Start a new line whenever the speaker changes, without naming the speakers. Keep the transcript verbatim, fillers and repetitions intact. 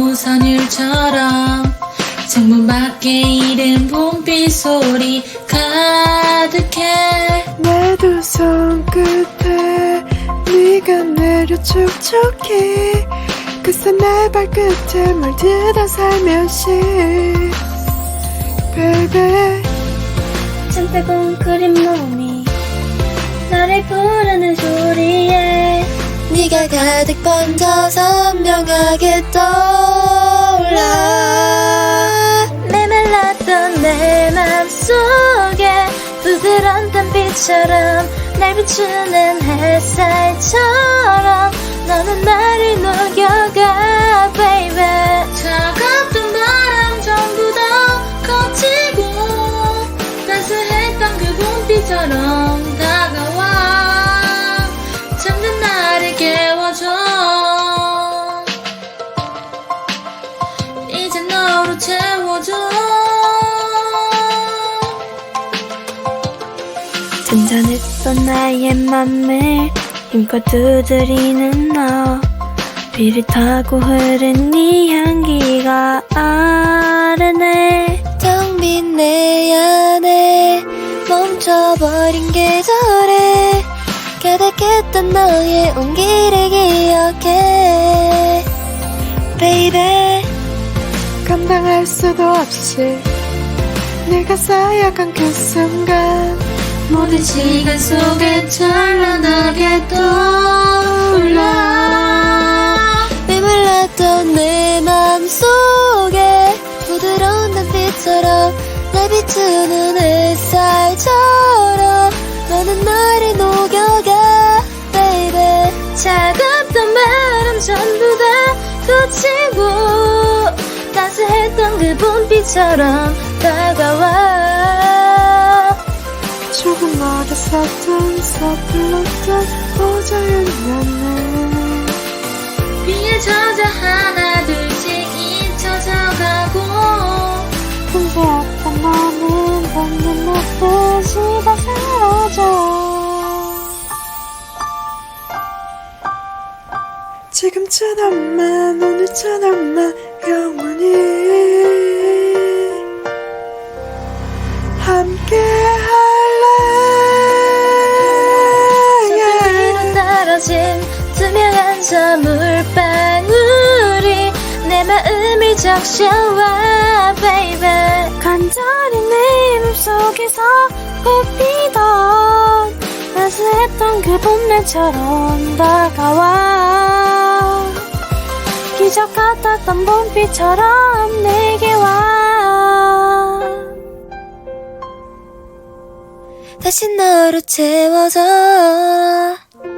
우선 일처럼 창문 밖에 이른 봄비 소리 가득해.
내 두 손 끝에 네가 내려 촉촉해. 그새 내 발끝에 물들어 살며시 Baby.
참새 꽁그린 몸이 나를 부르는 소리에
네가 가득 번져 선명하게 떠올라.
메말랐던 내 맘속에 부드러운 달빛처럼 날 비추는 햇살처럼 너는 나를 녹여가 baby.
차갑던 바람 전부 다 거치고 따스했던 그 봄비처럼 다가와 잠든 나를 깨워줘. 이제 너로 채워줘.
잔잔했던 나의 맘을 힘껏 두드리는 너. 비를 타고 흐른 네 향기가 아르네.
텅 빈 내 안에 멈춰버린 계절에 가득했던 너의 온기를 기억해 Baby.
감당할 수도 없이 내가 쌓여간 그 순간
모든 시간 속에 찬란하게 떠올라.
메말랐던 내 맘속에 부드러운 달빛처럼 날 비추는 햇살처럼 너는 나를 녹여가 baby.
차갑던 바람 전부 다 거치고 따스했던 그 봄비처럼 다가와.
조금 어렸었던 서툴렀던 오저연이었네.
비에 젖어 하나 둘씩 잊혀져가고
혼자였던 너는 걷는 듯이 다 사라져. 지금처럼만 오늘처럼만 영원히 함께 할래.
손등 위로 떨어진 투명한 저 물방울이 내 마음을 적셔와 baby. 간절히 내 맘속에서 꽃피던 따스했던 그 봄날처럼 다가와. 기적 같았던 봄비처럼 내게 와.
다시 너로 채워져